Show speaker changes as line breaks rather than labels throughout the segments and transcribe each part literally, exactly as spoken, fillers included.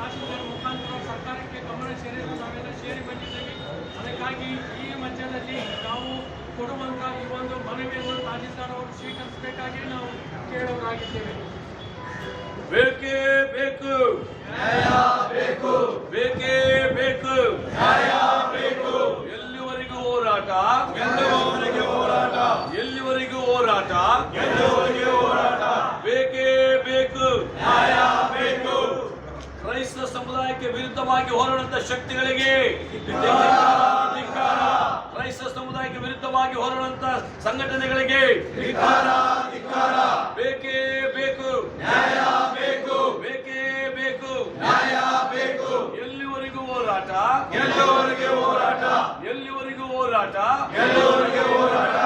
ತಹಸೀಲ್ದಾರ್ ಮುಖಾಂತರ ಸರ್ಕಾರಕ್ಕೆ ಗಮನ ಸೇರಿದ್ದು ನಾವೆಲ್ಲ ಸೇರಿ ಬಂದಿದ್ದೇವೆ. ಅದಕ್ಕಾಗಿ ಈ ಮಧ್ಯದಲ್ಲಿ ನಾವು ಕೊಡುವಂಥ ಈ ಒಂದು ಮನವಿಯನ್ನು ತಹಸೀಲ್ದಾರ್ ಅವರು ಸ್ವೀಕರಿಸಬೇಕಾಗಿ ನಾವು ಕೇಳೋರಾಗಿದ್ದೇವೆ.
ಬೇಕೇ ಬೇಕು
ನ್ಯಾಯ ಬೇಕು,
ಬೇಕೇ ಬೇಕು
ನ್ಯಾಯ ಬೇಕು.
ಎಲ್ಲಿವರೆಗೂ ಹೋರಾಟ
ಗೆಲ್ಲುವವರೆಗೆ ಹೋರಾಟ,
ಎಲ್ಲಿವರೆಗೂ ಹೋರಾಟ
ಗೆಲ್ಲುವವರೆಗೆ ಹೋರಾಟ.
ಬೇಕೇ ಬೇಕು
ನ್ಯಾಯ ಬೇಕು.
ಕ್ರೈಸ್ತ ಸಮುದಾಯಕ್ಕೆ ವಿರುದ್ಧವಾಗಿ ಹೋರಾಡುವಂತ ಶಕ್ತಿಗಳಿಗೆ
ಧಿಕ್ಕಾರ,
ಕ್ರೈಸ್ತ ಸಮುದಾಯಕ್ಕೆ ವಿರುದ್ಧವಾಗಿ ಹೋರಾಡುವಂತ ಸಂಘಟನೆಗಳಿಗೆ
ಧಿಕ್ಕಾರ, ಧಿಕ್ಕಾರ.
ಬೇಕೇ ಬೇಕು
ನ್ಯಾಯ ಬೇಕು,
ಬೇಕೇ ಬೇಕು
ನ್ಯಾಯ ಬೇಕು.
ಎಲ್ಲಿವರೆಗೂ ಹೋರಾಟ
ಗೆಲ್ಲುವವರೆಗೆ ಹೋರಾಟ,
ಎಲ್ಲಿವರೆಗೂ ಹೋರಾಟ
ಗೆಲ್ಲುವವರೆಗೆ ಹೋರಾಟ.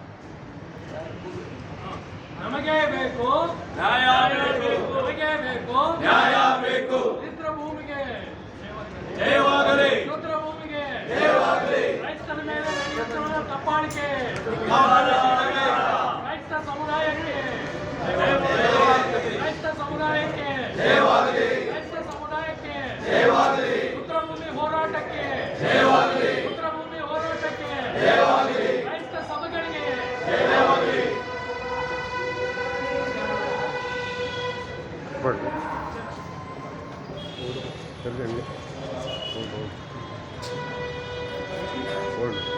ನಮಗೆ ಬೇಕು
ನ್ಯಾಯ ಬೇಕು
ನಮಗೆ ಬೇಕು
ನ್ಯಾಯ ಬೇಕು.
ಪಿತೃ ಭೂಮಿಗೆ
ಜಯವಾಗಲಿ,
ಪಿತೃ ಭೂಮಿಗೆ
ಜಯವಾಗಲಿ.
ಕ್ರೈಸ್ತರ ಮೇಲೆ ನಡೆಯುತ್ತಿರುವ ದಬ್ಬಾಳಿಕೆ
ಜಯವಾಗಲಿ,
ಕ್ರೈಸ್ತ ಸಮುದಾಯಕ್ಕೆ ಕ್ರೈಸ್ತ ಸಮುದಾಯಕ್ಕೆ
ಜಯವಾಗಲಿ,
ಕ್ರೈಸ್ತ ಸಮುದಾಯಕ್ಕೆ
ಜಯವಾಗಲಿ,
ರುದ್ರಭೂಮಿ ಹೋರಾಟಕ್ಕೆ
ಜಯವಾಗಲಿ,
ರುದ್ರಭೂಮಿ ಹೋರಾಟಕ್ಕೆ
ಜಯವಾಗಲಿ,
ಕ್ರೈಸ್ತ ಸಭೆಗಳಿಗೆ
ಜಯವಾಗಲಿ.
ಪಡ್ಲಿ ಓಲ್ಡ್